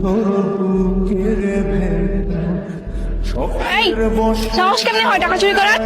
এই সাহস কেমনে হয় টাকা চুরি করার?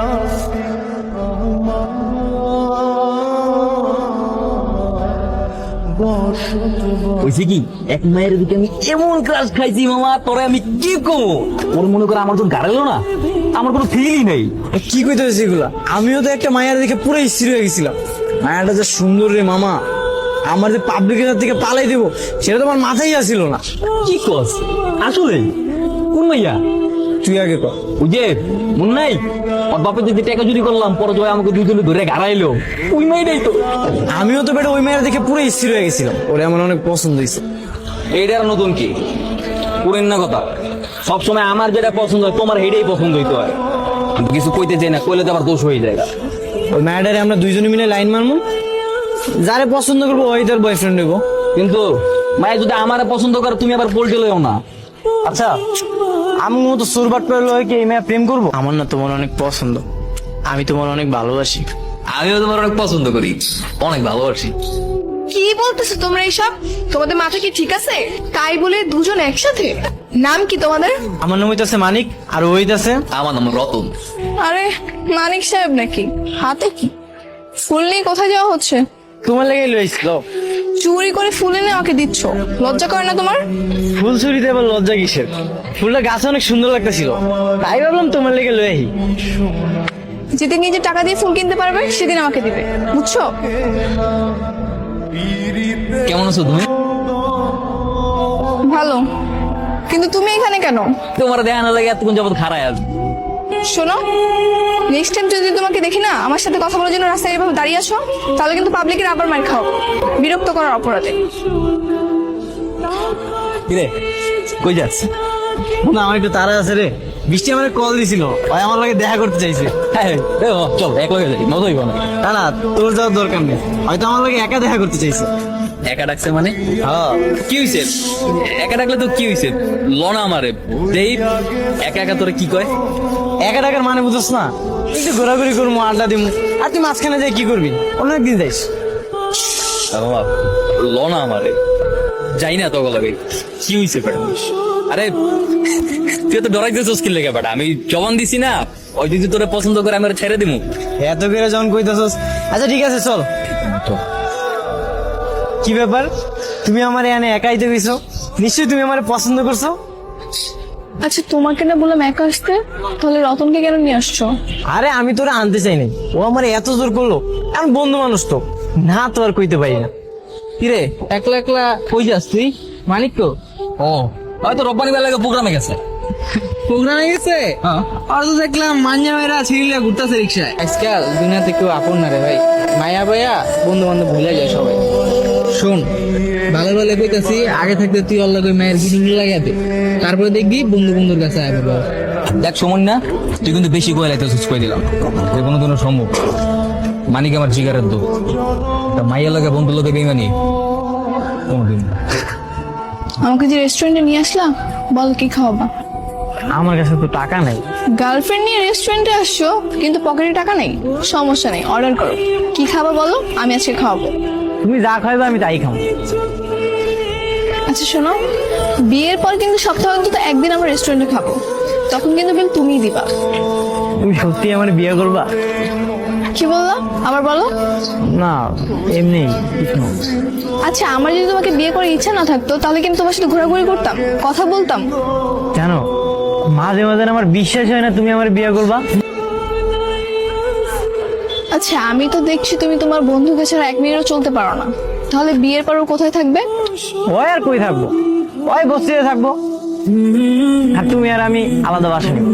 হয়েছে কি, এক মায়ের দিকে আমি এমন ক্রাশ খাইছি মামা, তোরে আমি কি কমো। ওর মনে করে আমার তো গাড়ালো না, আমার কোনো ফিলই নেই। কি কইতেছিস এগুলা? আমিও তো একটা মায়ের দেখে পুরো স্থির হয়ে গেছিলাম। মায়াটা যে সুন্দর রে মামা, আমার যে পাবলিকের থেকে পালাই দেবো সেটা তো আমার মাথায় আসছিল না। কি কস আসলে? কোন মাইয়া? তুই আগে কর। ওই যে মন নাই, ওর বাপের যদি টাকা চুরি করলাম, পরে জয় আমাকে দুজনে ধরে গাড়াইলো, ওই মাইটাই তো। আমিও তো বেটা ওই মায়ের দেখে পুরো স্থির হয়ে গেছিলাম, ওরে আমার অনেক পছন্দ হয়েছে। এইটার নতুন কি পুরেন না কথা, সবসময় আমার যেটা পছন্দ হয় তোমার হেডেই পছন্দ হইতে হয়। আমি কিছু কইতে চাই না, কইলে তো আবার দোষ হয়ে যায়। ওই মায়াটারে আমরা দুইজনে মিলে লাইন মারবো, যারে পছন্দ করবো ওই তার বয়ফ্রেন্ড নেবো। কিন্তু মায়ের যদি আমারে পছন্দ করে, তুমি আবার পোল্টে লইও না। আচ্ছা, আমি মতো সুরবাট পেলে কি এই মেয়ে প্রেম করবো? আমার না তোমার অনেক পছন্দ, আমি তোমার অনেক ভালোবাসি। আমিও তোমার অনেক পছন্দ করি, অনেক ভালোবাসি। কি বলতেছো তোমরা এইসব? তোমাদের মাথা কি ঠিক আছে? তাই বলে দুজন একসাথে? নাম কি তোমাদের? আমার নাম হইতাছে মানিক, আর ওই হইতাছে আমার নাম রতন। আরে মানিক সাহেব নাকি? হাতে কি ফুল নিয়ে কোথায় যাওয়া হচ্ছে? তোমার লেগে লইছিল। চুরি করে ফুল এনে আমাকে দিচ্ছ, লজ্জা করে না তোমার? ফুল চুরিতে আবার লজ্জা কিসের? ফুলটা গাছে অনেক সুন্দর লাগতেছিল, তাই ভাবলাম তোমার লেগে লই আহি। যেদিন নিজে টাকা দিয়ে ফুল কিনতে পারবে সেদিন আমাকে দিবে, বুঝছো? কেমন আছো তুমি? ভালো, কিন্তু তুমি এখানে কেন? তোমার দেখা না লাগে এতক্ষণ যাবত খারায় আসবে। শোনো, নেক্সট টাইম যদি তোমাকে দেখি না আমার সাথে কথা বলার জন্য রাস্তায় এভাবে দাঁড়িয়ে আসো, তাহলে কিন্তু পাবলিকের আবার মার খাও, বিরক্ত করার অপরাধে। কিরে কই যাচ্ছে? না, আমার একটু তাড়া আছে রে। বৃষ্টি আমার কল দিছিল, ওই আমার লাগে দেখা করতে চাইছে। হ্যাঁ চল এক লগে যাই, মজা হইব না। না না, তোর যাওয়ার দরকার নেই, হয়তো আমার লাগে একা দেখা করতে চাইছে। একা ডাকছে মানে? হ্যাঁ, কি হইছে? একা ডাকলে তো কি হইছে? লনা আমারে দেই, একা একা তোরে কি কয়? একা টাকার মানে বুঝছ না? একটু ঘোরাঘুরি করবো, আড্ডা দিবো, আর তুই মাঝখানে যাই কি করবি? অন্য একদিন যাইস। লনা আমারে যাই না তো লাগে। কি হইছে বেটা? আরে তুই তো ডরাইতেছিস কি লেগে বেটা? আমি জবান দিছি না, ওই যদি তোরে পছন্দ করে আমি ওরে ছেড়ে দিমু। এত করে যখন কইতাছস, আচ্ছা ঠিক আছে চল। কি ব্যাপার, তুমি আমার এখানে একাই তো গেছো? নিশ্চয়ই তুমি আমার পছন্দ করছো। আচ্ছা তোমাকে না বললাম একা আসতে, তাহলে রতনকে কেন নিয়ে আসছো? আরে আমি তোরে আনতে চাই নাই, ও আমার এত জোর করলো। আমি বন্ধু মানুষ তো, না তো আর কইতে পারি না। কিরে একলা একলা কই যাস তুই? মানিক তো ও হয়তো রব্বানি বেলাকে প্রোগ্রামে গেছে। প্রোগ্রামে গেছে হ্যাঁ আর তো দেখলাম মাঞ্জামেরা ছিড়িলা ঘুরতেছে রিক্সায়। আজকাল দুনিয়াতে কেউ আপন না রে ভাই, মায়া ভাইয়া বন্ধু বান্ধব ভুলে যায় সবাই। শোন, ভালো ভালো কইতাছি, আগে থাকতে তুই অল্লাহ কই মায়ের গিনি লাগাই দে, তারপরে দেখবি বন্ধু বন্ধুর কাছে আয় বাবা। দেখ সমন না, তুই কিন্তু বেশি কয়ে লাইতেছিস, কই দিলাম যে কোনো দিনও সম্ভব। মানিক আমার জিগারের দো, মাইয়া লাগে বন্ধু লোকে বেমানি কোনোদিন। আমাকে যে রেস্টুরেন্টে নিয়ে আসলাম, বল কি খাওয়াবা? আমার কাছে তো টাকা নাই। গার্লফ্রেন্ড নিয়ে রেস্টুরেন্টে আসছো কিন্তু পকেটে টাকা নেই? সমস্যা নেই, অর্ডার করো। কি খাবা বলো, আমি আজকে খাওয়াবো। তুমি যা খাইবে আমি তাই খাবো। আচ্ছা শোনো, বিয়ের পর কিন্তু সপ্তাহে অন্তত একদিন আমরা রেস্টুরেন্টে খাবো, তখন কিন্তু বিল তুমিই দিবা। তুমি সত্যি আমার বিয়ে করবা? কি বললা, আবার বলো। না এমনি কিছু না। আচ্ছা আমার যদি তোমাকে বিয়ে করার ইচ্ছা না থাকতো, তাহলে কিন্তু তোমার সাথে ঘোরাঘুরি করতাম, কথা বলতাম। জানো, মাঝে মাঝে আমার বিশ্বাস হয় না তুমি আমার বিয়ে করবা। আচ্ছা আমি তো দেখছি তুমি তোমার বন্ধুকে ছাড়া এক মিনিটও চলতে পারো না, তাহলে বিয়ের পর ও কোথায় থাকবে? ওই আর কই থাকবো, ওই বস্তিতে থাকবো, আর তুমি আর আমি আলাদা বাসা নিব।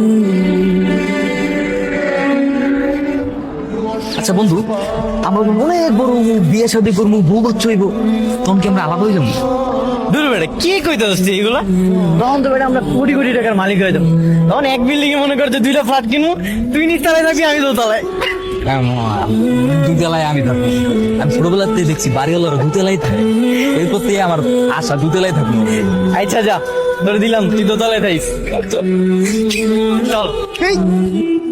আচ্ছা বন্ধু, আমরা তো অনেক বড় বিয়ে শাদী করবো, বউ বাচ্চা হইব, তখন কি আমরা আলাদা হয়ে যাবো? দূর বেটা, কি কইতে হচ্ছে এগুলা? তখন তো বেটা আমরা কোটি কোটি টাকার মালিক হয়ে যাবো। তখন এক বিল্ডিং এ মনে করছে 2টা ফ্ল্যাট কিনবো, তুই নিচতলায় থাকবি, আমি দোতলায়। দুতলায় আমি থাকবো। আমি ছোটবেলাতে দেখছি বাড়িওয়ালারা দুতলাই থাকে, এরপর থেকে আমার আশা দুতলাই থাকবো। আচ্ছা যা, ধরে দিলাম তুই দোতলায় থাকিস। চল।